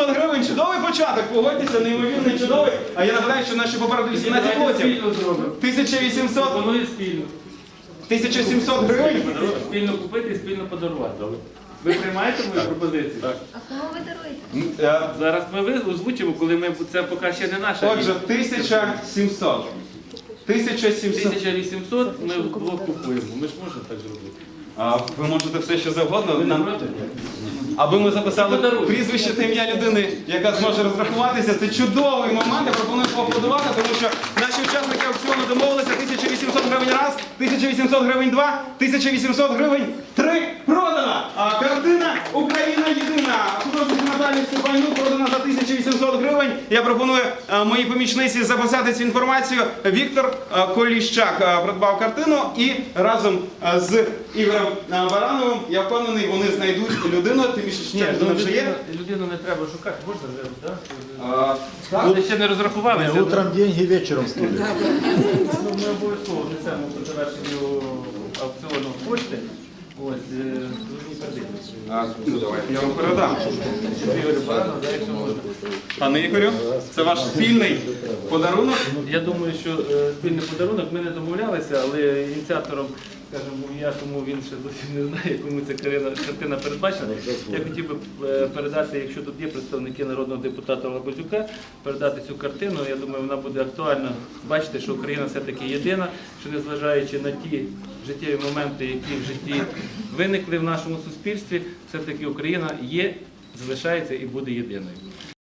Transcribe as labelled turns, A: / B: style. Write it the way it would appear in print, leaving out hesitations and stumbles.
A: 1800 гривень, чудовий початок, погодьтеся, неймовірний, чудовий. А я нагадаю, що наші попереду 18 лотів. 1800.
B: Пропоную спільно.
A: 1700 гривень.
B: Спільно купити і спільно подарувати. Ви приймаєте мою пропозицію? Так.
C: А кому ви даруєте?
B: Зараз ми озвучимо, коли ми це поки ще не наша.
A: Отже, 1700. 1700.
B: 1800 ми вдвох купуємо. Ми ж можемо так зробити.
A: А ви можете все що завгодно.
B: Ви не проти?
A: Аби ми записали
B: Подаруй.
A: прізвище та ім'я людини, яка зможе розрахуватися. Це чудовий момент. Я пропоную поаплодувати, тому що наші учасники аукціону домовилися 1800 гривень раз, 1800 гривень два, 1800 гривень три. Продана! А картина «Україна єдина». Художник Наталії Степанюк продана за 1800 гривень. Я пропоную моїй помічниці записати цю інформацію. Віктор Коліщак придбав картину і разом з Ігорем Барановим, я впевнений, вони знайдуть людину, тим більше, що ця людина вже є.
B: Людину не треба шукати, можна вже, так? Вони ще не розрахувалися.
D: Утром деньги, вечером стулья.
B: Ми обов'язково внесемо по завершенню аукціону кошти. Ось, ви передайте.
A: Ну, давайте я вам передам.
B: Ігорю Баранову, якщо можна.
A: Пане Ігорю, це ваш спільний подарунок.
B: Я думаю, що спільний подарунок, ми не домовлялися, але ініціатором, скажімо, я, тому він ще досі не знає, кому ця картина передбачена. Я хотів би передати, якщо тут є представники народного депутата Лабазюка, передати цю картину. Я думаю, вона буде актуальна. Бачите, що Україна все-таки єдина, що незважаючи на ті життєві моменти, які в житті виникли в нашому суспільстві, все-таки Україна є, залишається і буде єдиною.